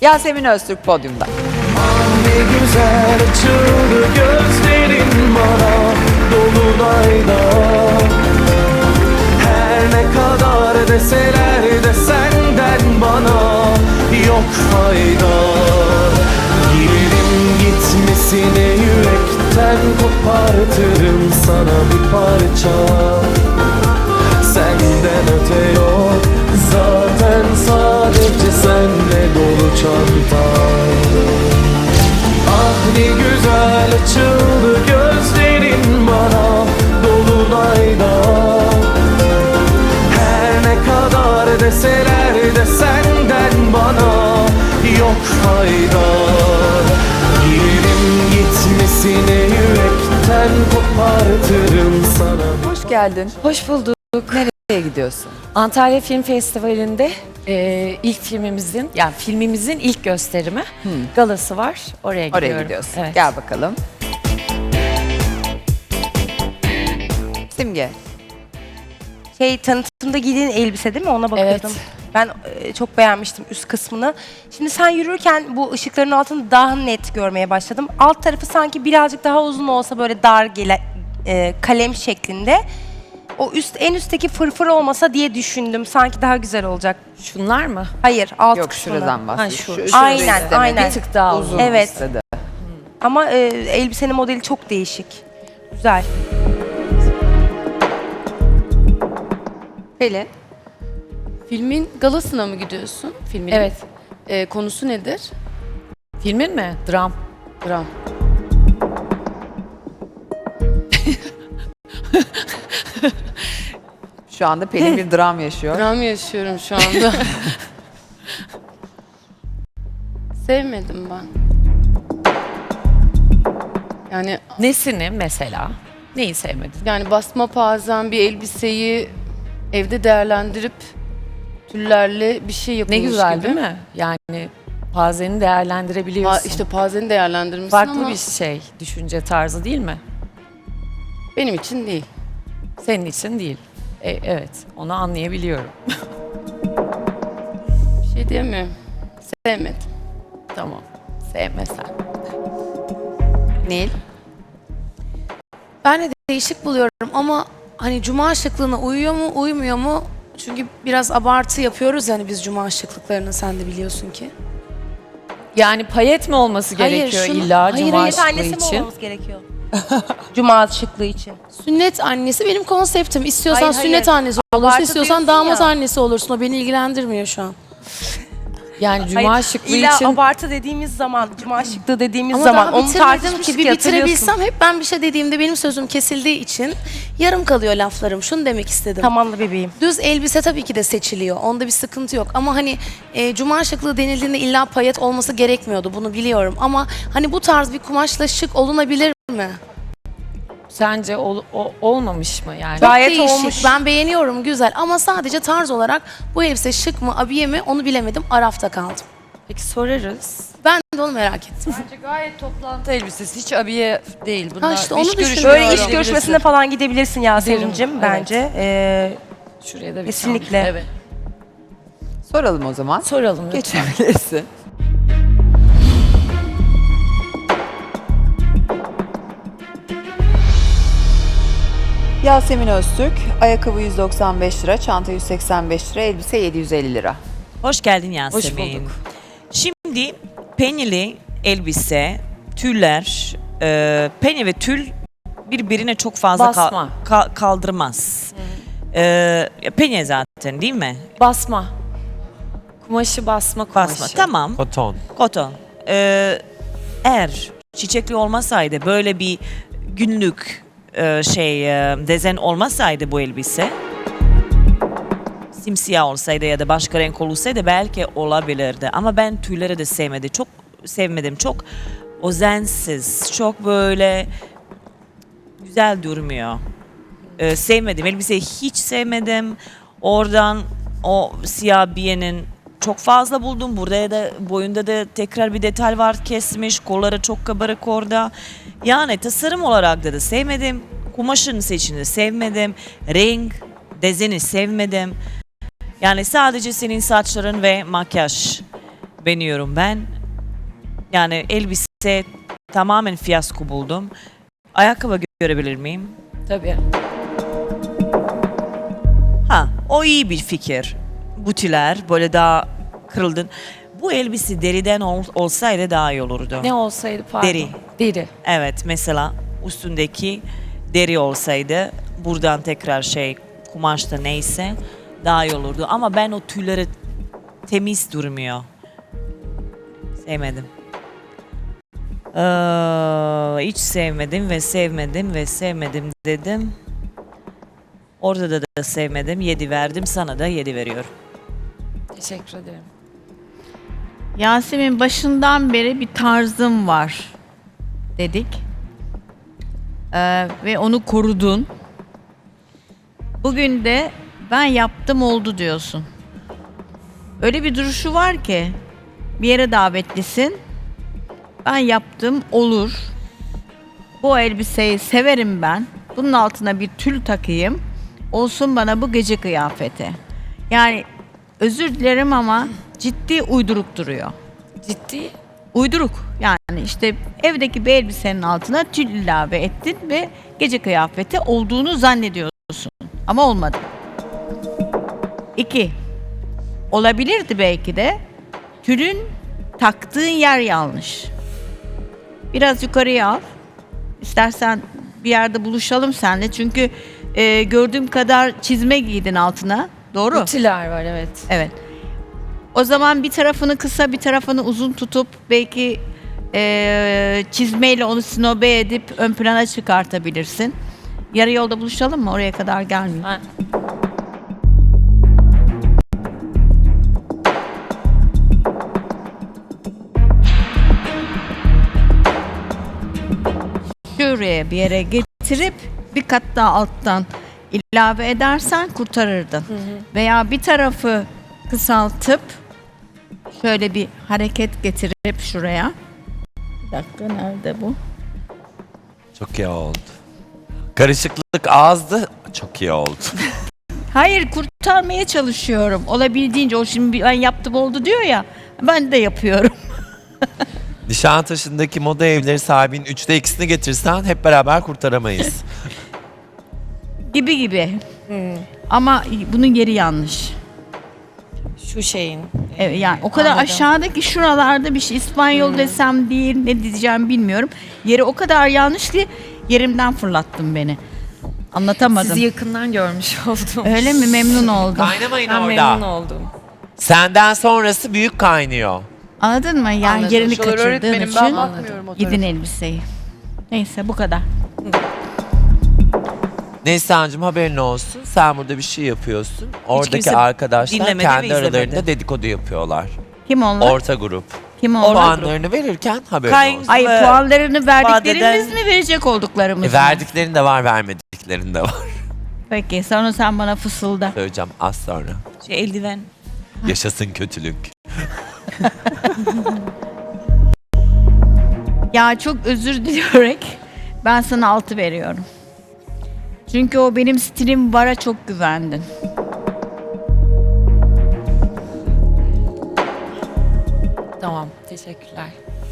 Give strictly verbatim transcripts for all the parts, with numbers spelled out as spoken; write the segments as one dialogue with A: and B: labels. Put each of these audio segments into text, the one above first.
A: Yasemin Öztürk podyumda.
B: Ne güzel açıldı gözlerin bana dolunayda. Her ne kadar deseler de senden bana yok fayda. Girerim gitmesine yürekten kopartırım sana bir parça. Senden öte yok zaten, sadece senle dolu çantam. Ah ne güzel açıldı gözlerin bana dolunayda. Her ne kadar deseler de senden bana yok fayda. Girerim gitmesine yürekten kopartırım sana.
A: Hoş geldin.
C: Hoş bulduk.
A: Nereye gidiyorsun?
C: Antalya Film Festivali'nde e, ilk filmimizin, yani filmimizin ilk gösterimi, galası var. Oraya gidiyorum.
A: Oraya gidiyorsun.
C: Evet.
A: Gel bakalım. Simge.
D: Şey, tanıtımda giydiğin elbise değil mi? Ona bakıyordum.
C: Evet.
D: Ben e, çok beğenmiştim üst kısmını. Şimdi sen yürürken bu ışıkların altını daha net görmeye başladım. Alt tarafı sanki birazcık daha uzun olsa, böyle dar gele, e, kalem şeklinde. O üst, en üstteki fırfır olmasa diye düşündüm. Sanki daha güzel olacak.
C: Şunlar mı?
D: Hayır, alt
A: Yok,
D: kısmını.
A: şuradan bahsediyor.
C: Ha, şu.
A: Şu- şurayı
D: Aynen,
A: istemedi.
D: aynen.
C: Bir tık daha uzun.
D: Evet.
A: istedi.
D: Ama e, elbisenin modeli çok değişik. Güzel.
A: Pelin.
E: Filmin galasına mı gidiyorsun? Filmin
C: Evet.
E: Ee, konusu nedir?
C: Filmin mi? Dram.
E: Dram.
A: Şu anda Pelin bir dram yaşıyor.
E: Dram yaşıyorum şu anda. Sevmedim ben. Yani
C: Nesini mesela? Neyi sevmedin?
E: yani basma pazen bir elbiseyi evde değerlendirip tüllerle bir şey
C: Ne
E: yapılmış
C: güzel
E: gibi.
C: değil mi? Yani pazeni değerlendirebiliyorsun.
E: Pa- işte pazeni değerlendirmişsin
C: Farklı
E: ama
C: bir şey, düşünce tarzı değil mi?
E: benim için değil.
C: Senin için değil. E, evet, onu anlayabiliyorum.
E: Bir şey diyemiyorum. Sevmedim.
C: Tamam, sevmesen.
A: Nil.
F: Ben de değişik buluyorum ama hani cuma şıklığına uyuyor mu, uymuyor mu? Çünkü biraz abartı yapıyoruz yani biz cuma şıklıklarını, sen de biliyorsun ki.
C: Yani payet mi olması
F: Hayır,
C: gerekiyor
F: şunu-
C: illa
F: hayır,
C: cuma
F: hayır,
C: şıklığı
D: Annesi mi
C: için?
D: olmamız gerekiyor? Cuma şıklığı için.
F: Sünnet annesi benim konseptim. İstiyorsan
D: Hayır, hayır.
F: sünnet annesi olursun,
D: Abartı
F: istiyorsan
D: diyorsun
F: damat
D: ya.
F: annesi olursun. O beni ilgilendirmiyor şu an.
C: Yani cuma
D: Hayır,
C: şıklığı
D: illa
C: için
D: abartı dediğimiz zaman, cuma şıklığı dediğimiz
F: Ama
D: zaman
F: daha
D: onu
F: bitirmedim
D: tartışmıştık
F: ki. Bir
D: ya, hatırlıyorsun.
F: bitirebilsem hep ben bir şey dediğimde benim sözüm kesildiği için yarım kalıyor laflarım. Şunu demek istedim.
D: Tamamla bebeğim.
F: Düz elbise tabii ki de seçiliyor. Onda bir sıkıntı yok. Ama hani e, cuma şıklığı denildiğinde illa payet olması gerekmiyordu. Bunu biliyorum. Ama hani bu tarz bir kumaşla şık olunabilir mi?
C: sence ol- o- olmamış mı yani?
F: Çok
D: Gayet
F: değişik.
D: olmuş.
F: Ben beğeniyorum, güzel. Ama sadece tarz olarak bu elbise şık mı, abiye mi onu bilemedim. Arafta kaldım.
C: Peki sorarız.
F: Ben de onu merak ettim.
G: Bence gayet toplantı elbisesi, hiç abiye değil. Bunlar
F: Ha işte onu
G: iş
F: düşünüyorum.
G: görüşmeleri
D: Böyle iş
G: olabilir.
D: görüşmesine falan gidebilirsin Yasemin'cim
C: Evet.
D: bence. Ee,
C: Şuraya da bir
D: kesinlikle.
C: tane- Evet.
A: Soralım o zaman.
C: Soralım lütfen.
A: Geçebilirsin. Yasemin Öztürk, ayakkabı yüz doksan beş lira, çanta yüz seksen beş lira, elbise yedi yüz elli lira.
H: Hoş geldin Yasemin.
C: Hoş bulduk.
H: Şimdi penyeli elbise, tüller, e, penye ve tül birbirine çok fazla kal-
C: Basma.
H: ka- kaldırmaz. E, penye zaten değil mi?
C: Basma. Kumaşı basma kumaşı.
H: Basma. Tamam.
I: Koton.
H: Koton. E, eğer çiçekli olmasaydı, böyle bir günlük e, şey e, dezen olmasaydı bu elbise, simsiyah olsaydı ya da başka renk olsaydı belki olabilirdi. Ama ben tüyleri de sevmedim. Çok sevmedim. Çok özensiz. Çok böyle güzel durmuyor. Ee, sevmedim. Elbiseyi hiç sevmedim. Oradan o siyah biyenin çok fazla buldum. Burada da boyunda da tekrar bir detay var, kesmiş. Kolları çok kabarık orada. Yani tasarım olarak da, da sevmedim. Kumaşın seçimini sevmedim. Renk, dezeni sevmedim. Yani sadece senin saçların ve makyaj beğeniyorum ben. Yani elbise tamamen fiyasko buldum. Ayakkabı görebilir miyim?
C: Tabii.
H: Ha, o iyi bir fikir. Butiler böyle daha kırıldın. Bu elbise deriden ol- olsaydı daha iyi olurdu.
C: Ne olsaydı pardon.
H: Deri.
C: Deri.
H: Evet, mesela üstündeki deri olsaydı buradan tekrar şey kumaşta neyse daha iyi olurdu. Ama ben o tüyleri temiz durmuyor. Sevmedim. Ee, hiç sevmedim ve sevmedim ve sevmedim dedim. Orada da, da sevmedim. Yedi verdim. Sana da yedi veriyorum.
C: Teşekkür ederim.
I: Yasemin, başından beri bir tarzım var dedik. Ee, ve onu korudun. Bugün de ben yaptım oldu diyorsun. Öyle bir duruşu var ki bir yere davetlisin. Ben yaptım olur. Bu elbiseyi severim ben. Bunun altına bir tül takayım. Olsun bana bu gece kıyafeti. Yani özür dilerim ama ciddi uyduruk duruyor.
C: Ciddi.
I: Uyduruk. Yani işte evdeki bir elbisenin altına tül ilave ettin ve gece kıyafeti olduğunu zannediyorsun. Ama olmadı. İki. Olabilirdi belki de. Tülün taktığın yer yanlış. Biraz yukarıya al. İstersen bir yerde buluşalım seninle. Çünkü e, gördüğüm kadar çizme giydin altına. Doğru.
C: Butiler var evet.
I: Evet. O zaman bir tarafını kısa bir tarafını uzun tutup belki eee, çizmeyle onu sinobe edip ön plana çıkartabilirsin. Yarı yolda buluşalım mı? Oraya kadar gelmiyor.
C: Ha.
I: Şuraya bir yere getirip bir kat daha alttan ilave edersen kurtarırdın. Veya bir tarafı kısaltıp şöyle bir hareket getirip şuraya. Bir dakika, nerede bu?
J: Çok iyi oldu. Karışıklık azdı. Çok iyi oldu.
I: Hayır, kurtarmaya çalışıyorum. Olabildiğince o şimdi ben yaptım oldu diyor ya. Ben de yapıyorum.
J: Nişantaşı'ndaki moda evleri sahibinin üçte ikisini getirsen hep beraber kurtaramayız.
I: Gibi gibi. Ama bunun yeri yanlış.
C: Şu şeyin.
I: Evet, yani o kadar
C: Anladım.
I: aşağıdaki şuralarda bir şey İspanyol desem değil, ne diyeceğim bilmiyorum. Yeri o kadar yanlış ki yerimden fırlattın beni. Anlatamadım.
C: Sizi yakından görmüş oldum.
I: Öyle mi? Memnun oldum.
J: Kaynamayın
C: Ben
J: orada.
C: memnun oldum.
J: Senden sonrası büyük kaynıyor.
I: Anladın mı? Yani
E: Anladım.
I: yerini
E: Şuralar
I: kaçırdığın
E: öğretmenim,
I: için
E: ben bakmıyorum o
I: gidin
E: tarafa.
I: elbiseyi. Neyse, bu kadar.
J: Neysancığım, haberin olsun. Sen burada bir şey yapıyorsun. Oradaki
H: kimse
J: arkadaşlar
H: dinlemedi
J: kendi
H: ve izlemedi.
J: aralarında dedikodu yapıyorlar.
I: Kim onlar?
J: Orta grup.
I: Kim onlar?
J: Puanlarını verirken haberin
H: Kay-
J: olsun.
I: Ay,
H: Ve
I: puanlarını verdiklerimiz
H: vadeden-
I: mi, verecek olduklarımız
J: E,
I: mı?
J: verdiklerin de var, vermediklerin de var.
I: Peki, sonra sen bana fısılda.
J: Söyleyeceğim az sonra.
H: Şey, eldiven.
J: Yaşasın kötülük.
I: Ya çok özür dileyerek ben sana altı veriyorum. Çünkü o benim stilim vara çok güvendin.
C: Tamam. Teşekkürler.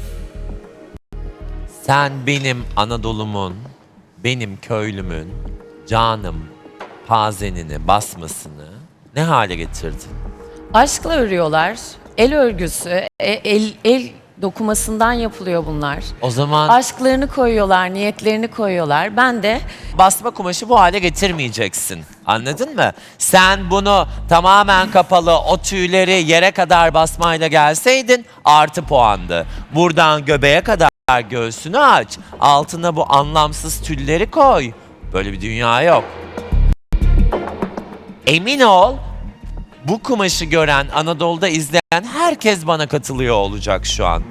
J: Sen benim Anadolu'mun, benim köylümün, canım, pazenini, basmasını ne hale getirdin?
C: Aşkla örüyorlar. El örgüsü, e- el, el dokumasından yapılıyor bunlar.
J: O zaman
C: Aşklarını koyuyorlar, niyetlerini koyuyorlar. Ben de
J: basma kumaşı bu hale getirmeyeceksin. Anladın mı? Sen bunu tamamen kapalı, o tüyleri yere kadar basmayla gelseydin artı puandı. Buradan göbeğe kadar göğsünü aç. Altına bu anlamsız tülleri koy. Böyle bir dünya yok. Emin ol, bu kumaşı gören, Anadolu'da izleyen herkes bana katılıyor olacak şu an.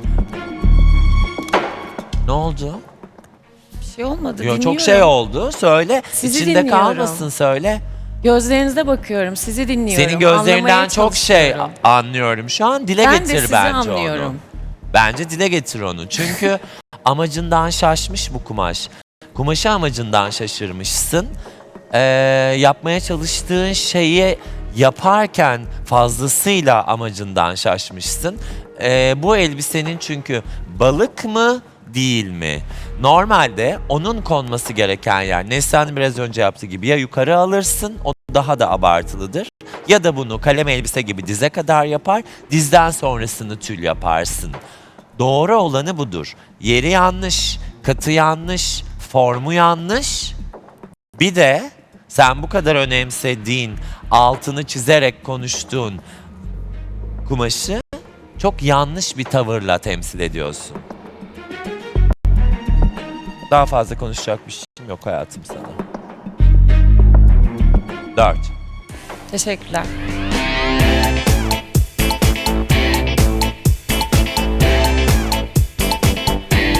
J: Ne oldu?
C: bir şey olmadı.
J: Yo,
C: dinliyorum.
J: çok şey oldu. Söyle.
C: Sizi
J: İçinde
C: dinliyorum.
J: kalmasın, söyle.
C: Gözlerinize bakıyorum, sizi dinliyorum.
J: Senin gözlerinden
C: Anlamaya
J: çok şey
C: çalışıyorum.
J: anlıyorum şu an. Dile
C: Ben de
J: getir
C: sizi
J: bence onu.
C: anlıyorum.
J: Bence dile getir onu. Çünkü amacından şaşmış bu kumaş. Kumaşı amacından şaşırmışsın. Ee, yapmaya çalıştığın şeyi yaparken fazlasıyla amacından şaşmışsın. e, bu elbisenin çünkü balık mı değil mi? Normalde onun konması gereken yer Neslihan'ın biraz önce yaptığı gibi ya yukarı alırsın, o daha da abartılıdır. Ya da bunu kalem elbise gibi dize kadar yapar, dizden sonrasını tül yaparsın. Doğru olanı budur. Yeri yanlış, katı yanlış, formu yanlış. Bir de sen bu kadar önemsediğin, altını çizerek konuştuğun kumaşı çok yanlış bir tavırla temsil ediyorsun. Daha fazla konuşacak bir şeyim yok hayatım sana. Dört.
C: Teşekkürler.